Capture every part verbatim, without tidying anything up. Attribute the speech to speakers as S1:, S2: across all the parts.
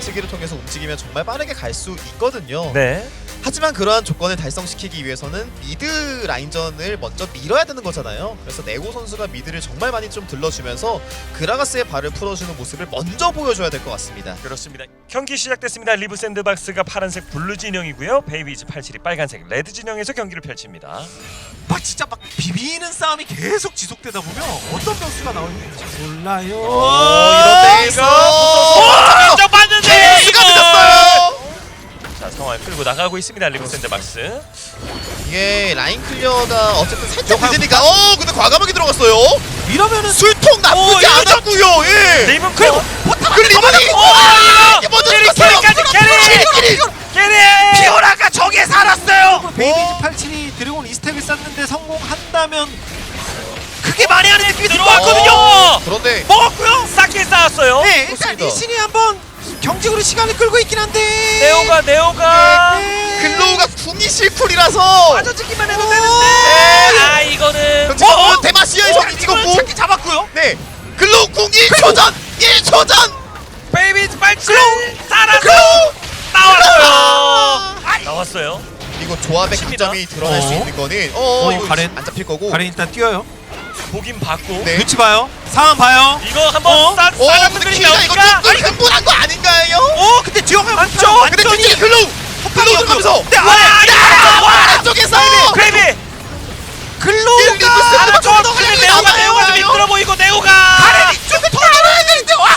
S1: 박치기를 통해서 움직이면 정말 빠르게 갈 수 있거든요.
S2: 네.
S1: 하지만 그러한 조건을 달성시키기 위해서는 미드 라인전을 먼저 밀어야 되는 거잖아요. 그래서 네고 선수가 미드를 정말 많이 좀 들러주면서 그라가스의 발을 풀어주는 모습을 먼저 보여줘야 될 것 같습니다.
S2: 그렇습니다. 경기 시작됐습니다. 리브 샌드박스가 파란색 블루 진영이고요. 베이비즈 팔십칠이 빨간색 레드 진영에서 경기를 펼칩니다.
S3: 막 진짜 막 비비는 싸움이 계속 지속되다 보면 어떤 변수가 나올지 몰라요.
S1: 오, 이런 데에서
S2: 인정 받는데
S1: 케이스가 늦었어요.
S2: 자, 상황을 끌고 나가고 있습니다. 리브 샌드박스.
S1: 이게 라인 클리어가 어쨌든 살짝 늦으니까 어 근데 과감하게 들어갔어요.
S3: 이러면은
S1: 술통 나쁘지
S2: 오,
S1: 않았고요. 예.
S2: 리븐 그리고
S1: 그 리본이
S2: 오,
S1: 먼저
S2: 캐리
S1: 들어갔어요.
S2: 캐리까지 캐리 캐리
S3: 피오라가 저게 살았어요. 베이비즈
S1: 어?
S3: 팔십칠이 드래곤 이스택을 쌓는데 성공한다면 그게 말이 안 되는 게
S2: 들어왔거든요.
S1: 어, 그런데
S2: 먹었고요. 싹게 쌓았어요.
S3: 네, 일단
S1: 그렇습니다.
S3: 리신이 한번 경직으로 시간을 끌고 있긴 한데
S2: 네오가 네오가
S1: 글로우가 궁이 실쿨이라서
S2: 빠져지기만 해도
S1: 오,
S2: 되는데. 아 이거는
S1: 그럼 지금 어? 대마시아에서 찍었고
S3: 찾기 잡았고요.
S1: 네 글로우 궁 일 초 전 일 초 전
S2: 베이비즈 팔칠 살아서
S1: 글로우
S2: 나왔어요. 나왔어요.
S1: 이거 조합의
S2: 칩니다.
S1: 강점이 드러날 수
S3: 어.
S1: 있는 거는 어,
S3: 어, 이거 가렌?
S1: 안 잡힐 거고
S3: 가렌 일단 뛰어요.
S2: 보긴 봤고.
S1: 네.
S3: 눈치 봐요. 상황 봐요.
S2: 이거 한번
S3: 어?
S2: 싸
S1: 오
S2: 싸는
S1: 근데
S2: 분들이
S1: 키가 이거
S2: 나오니까.
S1: 조금 흥분한 거 아닌가요?
S3: 어, 근데 지영아
S2: 맞죠?
S1: 근데 뒤에 글로우 글로우 들어가면서
S3: 네,
S2: 와,
S3: 아래
S1: 아래쪽에서
S2: 크레이비
S3: 글로우가
S1: 리브
S2: 좀
S1: 샌드박스가
S2: 근데
S1: 더
S2: 네오가
S1: 나가요.
S2: 네오가 좀 힘들어 보이고 네오가
S3: 가렌 이쪽에 돌아가야 되는데 와.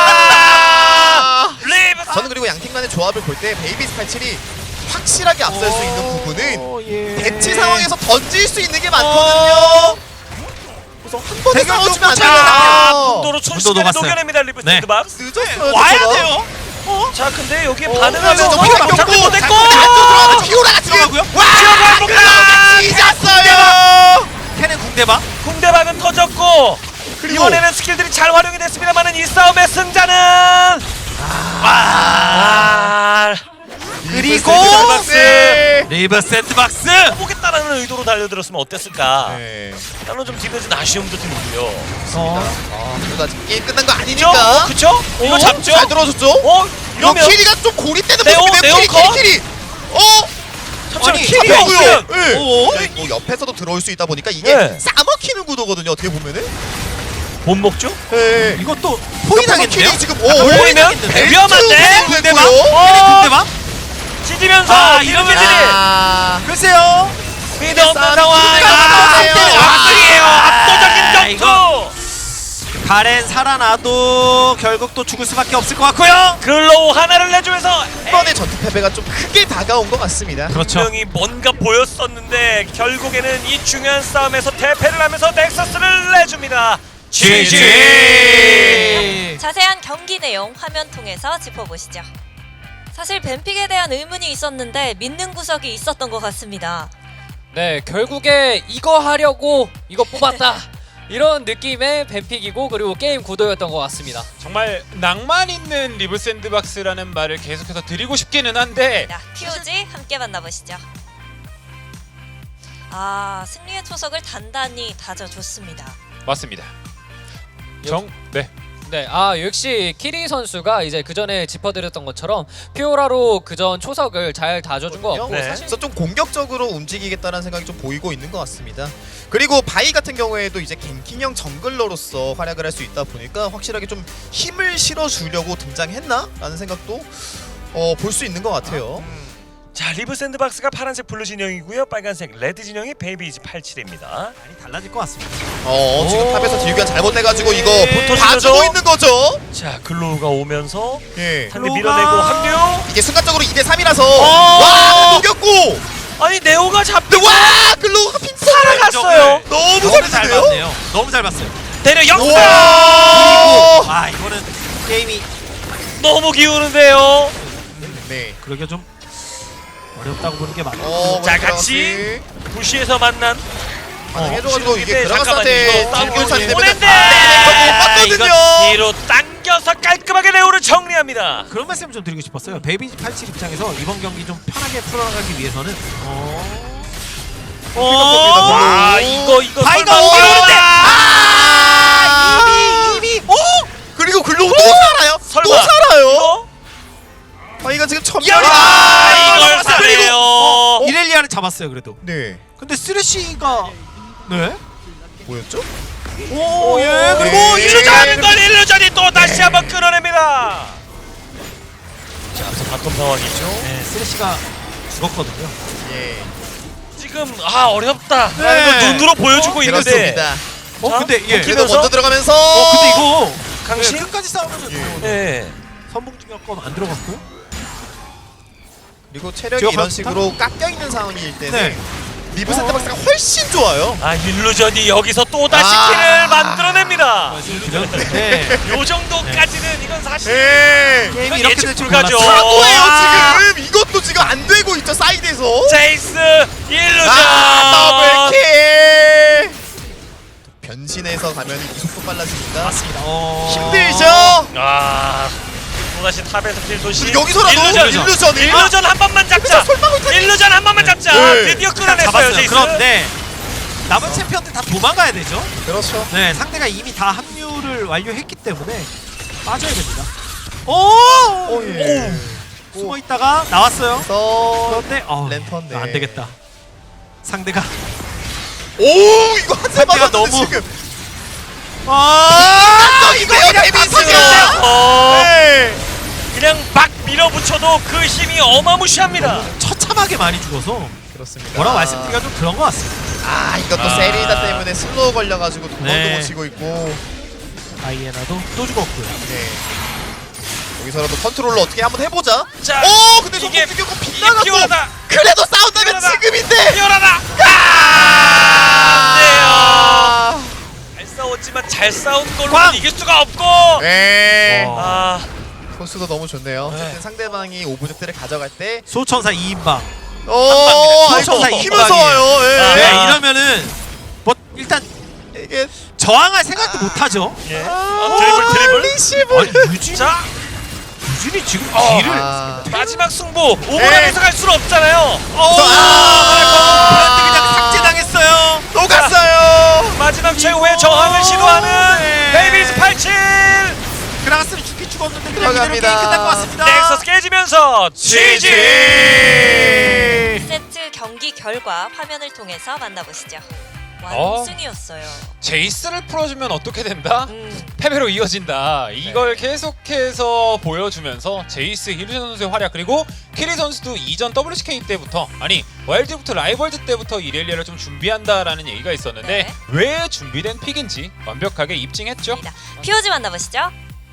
S1: 아
S2: 리브
S1: 저는 그리고 양팀 간의 조합을 볼 때 베이비스 팔십칠이 확실하게 앞설 수 있는 부분은
S3: 어, 예.
S1: 대치 상황에서 던질 수 있는 게 많거든요. 그래서 한 번에
S3: 대결
S1: 싸우지면 안
S3: 좀
S2: 아,
S1: 돼요.
S2: 문도로 순식간에
S3: 녹았어요.
S2: 녹여냅니다. 리브
S3: 네.
S2: 샌드박스.
S1: 늦었어요.
S3: 와야
S1: 저거.
S3: 돼요. 어?
S2: 자, 근데 여기에
S1: 어,
S2: 반응하면서
S1: 저 피오라
S2: 잡지
S1: 꼈고,
S2: 못했고
S1: 안쪽 들어가서 피오라가 지금
S3: 들어가고요.
S1: 와
S2: 피오라
S1: 글로우가 찢었어요.
S3: 캐넨 궁대박.
S2: 궁대박은 터졌고
S1: 그리고
S2: 이번에는 스킬들이 잘 활용이 됐습니다만은 이 싸움의 승자는 아,
S3: 그리고
S1: 네.
S3: 리브 샌드박스.
S2: 보겠다라는 의도로 달려들었으면 어땠을까?
S1: 네.
S2: 나는 좀 뒤늦은 아쉬움도 들고요.
S3: 어.
S1: 아, 그래도 아직 게임 끝난 거
S2: 그죠?
S1: 아니니까.
S2: 그쵸? 이거
S1: 어?
S2: 잡죠?
S1: 잘 들어줬죠?
S2: 어?
S1: 이거
S2: 이러면
S1: 키리가 좀 고립되는
S2: 네오,
S1: 모습이네요.
S2: 네오
S1: 키리,
S2: 컷?
S1: 키리, 키리. 어?
S2: 잠시만
S3: 아니,
S2: 킬이
S1: 잡혔고요.
S2: 없으면
S1: 네.
S3: 오.
S1: 네, 뭐 옆에서도 들어올 수 있다 보니까 이게
S2: 네.
S1: 싸먹히는 구도거든요. 어떻게 보면은.
S2: 못 먹죠?
S1: 네.
S3: 이것도
S1: 옆에서
S3: 포인하겠는데요?
S1: 키리 지금
S2: 아,
S1: 오,
S2: 보이면
S1: 벨트
S2: 위험한데?
S1: 궁대박.
S3: 캐넨 궁대박.
S2: 찢으면서
S3: 아,
S2: 이러면
S3: 이러면-
S1: 아.
S3: 글쎄요.
S2: 미드 없는
S1: 싸움
S2: 상황.
S1: 끝까지
S2: 아,
S1: 끝내요.
S2: 압승이에요.
S3: 아,
S2: 압도적인
S3: 이거-
S2: 점수.
S3: 가렌 살아나도 결국 또 죽을 수밖에 없을 것 같고요.
S2: 글로우 하나를 내주면서
S1: 이번에 전투 패배가 좀 크게 다가온 것 같습니다.
S3: 그렇죠.
S2: 분명히 뭔가 보였었는데 결국에는 이 중요한 싸움에서 대패를 하면서 넥서스를 내줍니다.
S3: 지지.
S4: 자세한 경기 내용 화면 통해서 짚어보시죠. 사실 뱀픽에 대한 의문이 있었는데 믿는 구석이 있었던 것 같습니다.
S5: 네, 결국에 이거 하려고 이거 뽑았다 이런 느낌의 뱀픽이고 그리고 게임 구도였던 것 같습니다.
S6: 정말 낭만 있는 리브 샌드박스라는 말을 계속해서 드리고 싶기는 한데
S4: 자, 티오지 함께 만나보시죠. 아, 승리의 초석을 단단히 다져줬습니다.
S6: 맞습니다. 정 네.
S5: 네, 아 역시 키리 선수가 이제 그 전에 짚어드렸던 것처럼 피오라로 그전 초석을 잘 다져준 것 같고
S2: 네.
S1: 그래서 좀 공격적으로 움직이겠다는 생각이 좀 보이고 있는 것 같습니다. 그리고 바이 같은 경우에도 이제 갱킹형 정글러로서 활약을 할 수 있다 보니까 확실하게 좀 힘을 실어주려고 등장했나? 라는 생각도 어, 볼 수 있는 것 같아요.
S2: 자, 리브 샌드박스가 파란색 블루 진영이고요. 빨간색 레드 진영이 베이비즈 팔십칠입니다.
S3: 많이 달라질 것 같습니다.
S1: 어 지금
S3: 오.
S1: 탑에서 딜교환 잘못해가지고 이거
S2: 네.
S1: 봐주고 있는 거죠.
S2: 자, 글로우가 오면서
S1: 예.
S2: 상대
S3: 글로우가-
S2: 밀어내고 합류.
S1: 이게 순간적으로 이 대 삼이라서
S2: 어.
S1: 와 녹였고
S2: 아니 네오가 잡고
S1: 와 글로우가 핀
S2: 살아갔어요.
S1: 너무
S3: 너무 잘
S1: 잘했는데요.
S3: 봤네요. 너무 잘 봤어요.
S2: 대려 역사.
S1: 와.
S3: 아, 이거는 게임이
S2: 너무 기우는데요.
S1: 네.
S3: 그러게 좀 어렵다고 보는 게 맞아요.
S1: 어,
S2: 자,
S1: 먼저
S2: 같이 부시에서 만난
S1: 해줘가지고 이게
S2: 잠깐만요.
S1: 그라가스한테
S2: 이거
S1: 딜교환이 되면
S2: 오랜데.
S1: 못
S2: 아, 이거
S1: 봤거든요.
S2: 뒤로 당겨서 깔끔하게 레오를 정리합니다.
S3: 그런 말씀 좀 드리고 싶었어요. 베이비즈 팔십칠 입장에서 이번 경기 좀 편하게 풀어나가기 위해서는 어...
S1: 어.
S2: 와, 이거 이거
S3: 바이가
S2: 설마-
S3: 오긴 오는데!
S1: 아
S3: 이미 이미 오!
S1: 그리고 글로우 또 살아요?
S2: 설마
S1: 또 살아요?
S2: 이거?
S3: 이렐리아는 잡았어요 그래도.
S1: 네.
S3: 근데 쓰레쉬가 네?
S1: 뭐였죠?
S3: 오, 예. 그리고
S1: 네.
S2: 일루전 건 일루전이 또 다시 한번 끌어냅니다. 자, 앞서 바텀 상황이죠.
S3: 네, 쓰레쉬가 죽었거든요.
S1: 예.
S2: 지금 아 어렵다.
S3: 네.
S2: 라는 걸 눈으로 보여주고 있는데
S1: 그렇습니다.
S3: 어,
S2: 자,
S3: 근데 예.
S1: 그래도
S2: 그래서-
S1: 먼저 들어가면서.
S3: 어, 근데 이거
S2: 강신?
S3: 네, 끝까지 싸우면
S1: 예.
S2: 예.
S3: 선봉중력권 안 들어갔고요.
S1: 그리고 체력이
S3: 지금
S1: 이런
S3: 가-
S1: 식으로 깎여 있는 상황일 때는
S3: 네.
S1: 리브 센터박스가 훨씬 좋아요.
S2: 아 일루전이 여기서 또 다시
S1: 아.
S2: 킬을 만들어냅니다.
S3: 네.
S2: 요 정도까지는 이건 사실
S1: 예.
S3: 게임이
S2: 이건
S3: 이렇게
S2: 예측
S3: 될 줄
S2: 불가죠.
S3: 몰랐어요.
S1: 사고예요
S3: 아.
S1: 지금. 이것도 지금 안 되고 있죠 사이드에서.
S2: 제이스 일루전.
S1: 아 더블킬. 변신해서 가면 이 속도 빨라집니다.
S3: 맞습니다. 어...
S1: 힘들죠.
S2: 아 또다시 탑에서 킬 소식.
S1: 근데 여기서라도
S2: 일루전
S1: 일루전
S2: 일루전 한 번만 잡자.
S1: 솔방울 타기.
S2: 일루전 한 번만 잡자.
S1: 네.
S2: 드디어 끌어냈어요
S3: 잡았어요.
S2: 제이스.
S3: 그런데 남은 챔피언들 다 도망가야 되죠.
S1: 그렇죠.
S3: 네, 상대가 이미 다 합류를 완료했기 때문에 빠져야 됩니다. 오!
S1: 오 예.
S3: 숨어 있다가 나왔어요.
S1: 그래서
S3: 그런데 어,
S1: 랜턴, 네.
S3: 안 되겠다. 상대가
S1: 오 이거 한대
S3: 상대가
S1: 맞았는데
S3: 너무-
S1: 지금.
S3: 아,
S1: 이거 그냥 데미지가.
S2: 어,
S1: 네.
S2: 그냥 막 밀어붙여도 그 힘이 어마무시합니다.
S3: 처참하게 많이 죽어서
S1: 그렇습니다.
S3: 뭐라고 말씀드리기가 좀 그런 것 같습니다.
S1: 아 이것도
S2: 아.
S1: 세리다 때문에 슬로우 걸려가지고 도망도
S3: 네.
S1: 못 치고 있고.
S3: 아이에나도 또 죽었고요.
S1: 네. 여기서라도 컨트롤러 어떻게 한번 해보자.
S2: 자,
S1: 오 근데
S2: 이게-
S1: 손목 죽였고
S2: 이게
S1: 빗나갔고.
S2: 피곤하다.
S1: 그래도 싸운다면
S2: 피곤하다.
S1: 지금인데.
S2: 피어나다.
S1: 아.
S2: 안 돼요. 잘 싸웠지만 잘 싸운 걸로
S3: 꽝!
S2: 이길 수가 없고.
S1: 네.
S3: 어.
S2: 아,
S1: 코스도 너무 좋네요.
S2: 네.
S1: 어쨌든 상대방이 오브젝트를 가져갈 때.
S3: 소천사 이 인방.
S1: 오
S3: 소천사
S1: 아이고,
S3: 이
S1: 힘면서
S3: 인방이에요.
S1: 와요. 예.
S2: 아.
S3: 네, 이러면은 뭐 일단
S1: 이게
S3: 저항할 생각도 못 하죠.
S2: 예. 아, 드리블 드리블.
S1: 리시브.
S3: 아니 유진
S2: 자,
S3: 유진이 지금
S2: 어.
S3: 딜을
S1: 아.
S2: 마지막 승부. 오버랩에서 갈 수는 없잖아요.
S3: 어,
S1: 아.
S3: 브랜드 그냥 삭제당했어요.
S1: 또 갔어요.
S2: 마지막 최후의 저항을 시도하는
S3: 네.
S2: 베이비즈 팔십칠.
S3: 그라가스는 죽기 죽었는데 그냥 이대로
S1: 들어갑니다.
S3: 게임 끝날 것 같습니다.
S2: 넥서스 깨지면서 지지.
S4: 세트 경기 결과 화면을 통해서 만나보시죠.
S6: 어?
S4: 완승이었어요.
S6: 제이스를 풀어주면 어떻게 된다?
S4: 음.
S6: 패배로 이어진다. 이걸 계속해서 보여주면서 제이스, 힐루션 선수의 활약 그리고 키리 선수도 이전 더블유씨케이 때부터 아니 와일드부터 라이벌즈 때부터 이렐리아를 좀 준비한다라는 얘기가 있었는데
S4: 네.
S6: 왜 준비된 픽인지 완벽하게 입증했죠.
S4: 피오지 만나보시죠.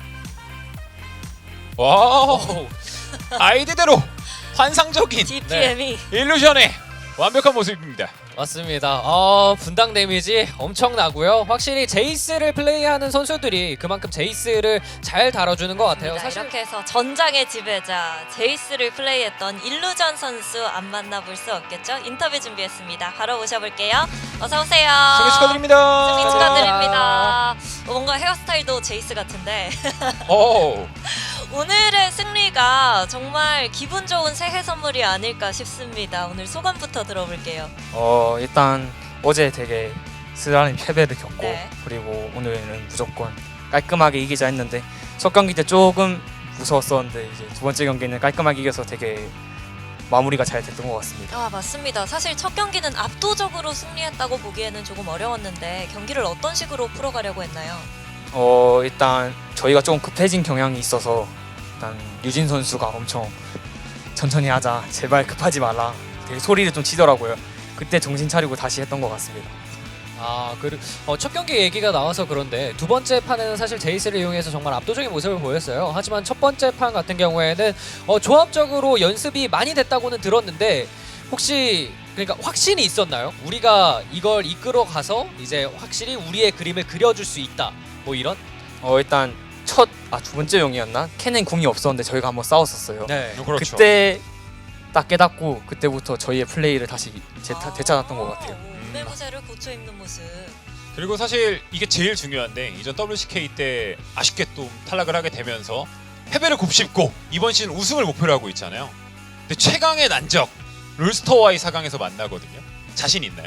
S6: 와우 아이디대로 환상적인
S4: 디피엠이
S6: 네, 일루션의 완벽한 모습입니다.
S5: 맞습니다. 어, 분당 데미지 엄청 나고요. 확실히 제이스를 플레이하는 선수들이 그만큼 제이스를 잘 다뤄주는 것 같아요.
S4: 사실
S5: 사실
S4: 이렇게 해서 전장의 지배자 제이스를 플레이했던 일루전 선수 안 만나볼 수 없겠죠? 인터뷰 준비했습니다. 바로 모셔볼게요. 어서 오세요.
S6: 승리 축하드립니다.
S4: 승리 축하드립니다. 어, 뭔가 헤어스타일도 제이스 같은데
S6: 오.
S4: 오늘의 승리가 정말 기분 좋은 새해 선물이 아닐까 싶습니다. 오늘 소감부터 들어볼게요.
S7: 어 일단 어제 되게 쓰라린 패배를 겪고
S4: 네.
S7: 그리고 오늘은 무조건 깔끔하게 이기자 했는데 첫 경기 때 조금 무서웠었는데 이제 두 번째 경기는 깔끔하게 이겨서 되게 마무리가 잘 됐던 것 같습니다.
S4: 아 맞습니다. 사실 첫 경기는 압도적으로 승리했다고 보기에는 조금 어려웠는데 경기를 어떤 식으로 풀어가려고 했나요?
S7: 어 일단 저희가 조금 급해진 경향이 있어서 일단 유진 선수가 엄청 천천히 하자 제발 급하지 말라 되게 소리를 좀 치더라고요. 그때 정신 차리고 다시 했던 것 같습니다.
S5: 아, 그리고 어, 첫 경기 얘기가 나와서 그런데 두 번째 판에는 사실 제이스를 이용해서 정말 압도적인 모습을 보였어요. 하지만 첫 번째 판 같은 경우에는 어, 조합적으로 연습이 많이 됐다고는 들었는데 혹시 그러니까 확신이 있었나요? 우리가 이걸 이끌어 가서 이제 확실히 우리의 그림을 그려줄 수 있다. 뭐 이런?
S7: 어 일단 첫 아 두 번째 용이었나? 캔엔 궁이 없었는데 저희가 한번 싸웠었어요.
S5: 네.
S6: 그렇죠.
S7: 그때 딱 깨닫고 그때부터 저희의 플레이를 다시 재,
S4: 아,
S7: 되찾았던 것 같아요.
S4: 매무새를 고쳐 입는 모습.
S6: 그리고 사실 이게 제일 중요한데 이전 더블유씨케이 때 아쉽게 또 탈락을 하게 되면서 패배를 곱씹고 이번 시즌 우승을 목표로 하고 있잖아요. 근데 최강의 난적 롤스터와의 사 강에서 만나거든요. 자신 있나요?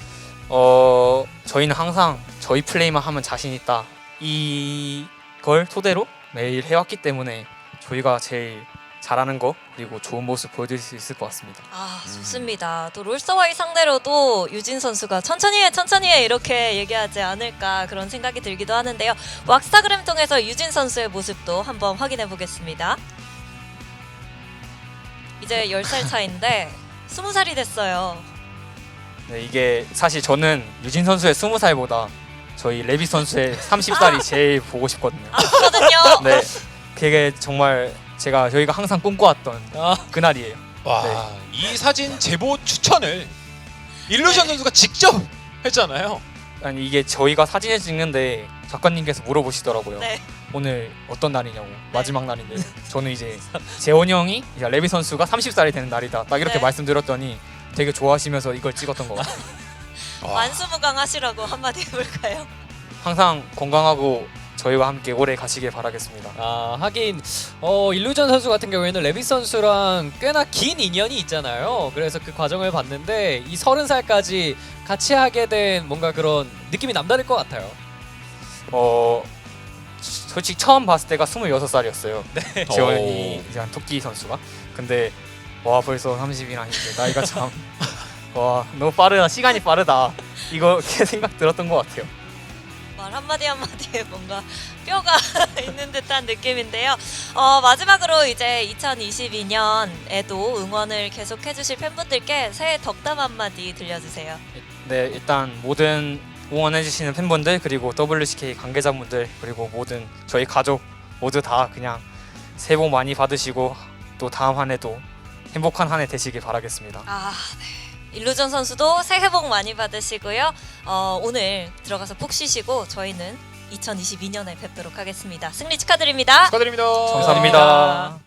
S7: 어 저희는 항상 저희 플레이만 하면 자신 있다 이걸 토대로 매일 해왔기 때문에 저희가 제일 잘하는 거 그리고 좋은 모습 보여줄 수 있을 것 같습니다.
S4: 아 좋습니다. 또 롤서와이 상대로도 유진 선수가 천천히 해 천천히 해 이렇게 얘기하지 않을까 그런 생각이 들기도 하는데요. 왁스타그램 통해서 유진 선수의 모습도 한번 확인해 보겠습니다. 이제 열 살 차인데 스무 살이 됐어요.
S7: 네, 이게 사실 저는 유진 선수의 스무 살보다 저희 레비 선수의 서른 살이 제일 보고 싶거든요.
S4: 아프거든요.
S7: 네, 그게 정말 제가 저희가 항상 꿈꿔왔던
S5: 아,
S7: 그날이에요.
S6: 와,
S7: 네.
S6: 이 사진 제보 추천을 일루전 선수가 직접 했잖아요.
S7: 아니 이게 저희가 사진을 찍는데 작가님께서 물어보시더라고요.
S4: 네.
S7: 오늘 어떤 날이냐고 마지막 날인데 저는 이제 재원이 형이 이제 레비 선수가 서른 살이 되는 날이다 딱 이렇게
S4: 네.
S7: 말씀드렸더니 되게 좋아하시면서 이걸 찍었던 것 같아요.
S6: 와,
S4: 만수무강하시라고 한마디 해볼까요?
S7: 항상 건강하고 저희와 함께 오래 가시길 바라겠습니다.
S5: 아 하긴 어, 일루전 선수 같은 경우에는 레빗 선수랑 꽤나 긴 인연이 있잖아요. 그래서 그 과정을 봤는데 이 서른 살까지 같이 하게 된 뭔가 그런 느낌이 남다를 것 같아요.
S7: 어 솔직히 처음 봤을 때가 스물여섯 살이었어요.
S5: 네.
S7: 재원이 이제 한 토끼 선수가. 근데 와 벌써 삼십이나 이제 나이가 참 와 너무 빠르다 시간이 빠르다 이거 이렇게 생각 들었던 것 같아요.
S4: 말 한마디 한마디에 뭔가 뼈가 있는 듯한 느낌인데요. 어, 마지막으로 이제 이천이십이 년에도 응원을 계속 해주실 팬분들께 새해 덕담 한마디 들려주세요.
S7: 네 일단 모든 응원해주시는 팬분들 그리고 더블유씨케이 관계자분들 그리고 모든 저희 가족 모두 다 그냥 새해 복 많이 받으시고 또 다음 한 해도 행복한 한 해 되시길 바라겠습니다.
S4: 아, 네. 일루전 선수도 새해 복 많이 받으시고요. 어, 오늘 들어가서 푹 쉬시고 저희는 이천이십이 년에 뵙도록 하겠습니다. 승리 축하드립니다.
S6: 축하드립니다.
S7: 감사합니다.